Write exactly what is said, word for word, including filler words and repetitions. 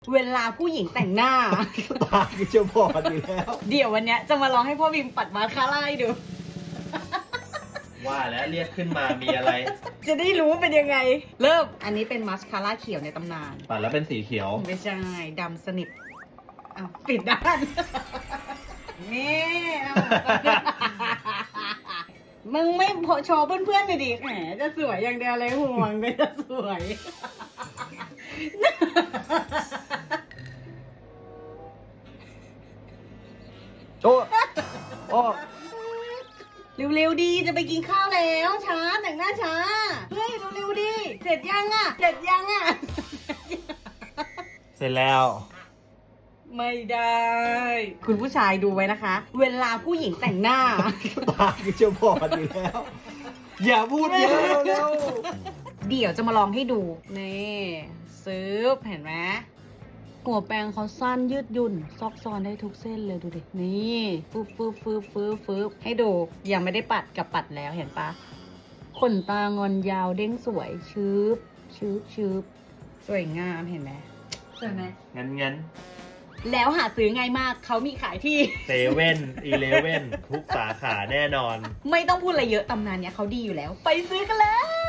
เวลาผู้หญิงแต่งหน้าตาคือจะบอดอยู่แล้วเดี๋ยววันเนี้ยจะมาลองให้พ่อบิมปัดมาสคาร่าให้ดูว่าแล้วเรียกขึ้นมามีอะไรจะได้รู้ว่าเป็นยังไง เริ่ม อันนี้เป็นมาสคาร่าเขียวในตำนานปัดแล้วเป็นสีเขียวไม่ใช่ดำสนิทอ้าวปิดด้าน นี่เอามึงไม่โชว์เพื่อนๆหน่อยดิแหมจะสวยอย่างเดียวเลยห่วงเลยจะสวยโอ้โอ้เร็วๆดีจะไปกินข้าวแล้วช้าแต่งหน้าช้าเฮ้ยเร็วๆดีเสร็จยังอ่ะเสร็จยังอ่ะเสร็จแล้วไม่ได้ คุณผู้ชายดูไว้นะคะ เวลาผู้หญิงแต่งหน้าตาคือจะบอดอยู่แล้ว อย่าพูดเยอะเร็วเดี๋ยวจะมาลองให้ดู นี่ซื้อเห็นไหมหัวแปรงเขาสั้นยืดหยุ่น ซอกซอนได้ทุกเส้นเลยดูดิ นี่ฟืบฟืบฟืบฟืบฟืบให้ดู ยังไม่ได้ปัดกับปัดแล้วเห็นปะขนตางอนยาวเด้งสวย ชืบชืบชืบสวยงามเห็นไหมสวยไหมงั้นงั้นแล้วหาซื้อง่ายมากเขามีขายที่เซเว่นอีเลเว่นทุกสาขาแน่นอนไม่ต้องพูดอะไรเยอะตำนานเนี้ยเขาดีอยู่แล้ว ไปซื้อกันเลย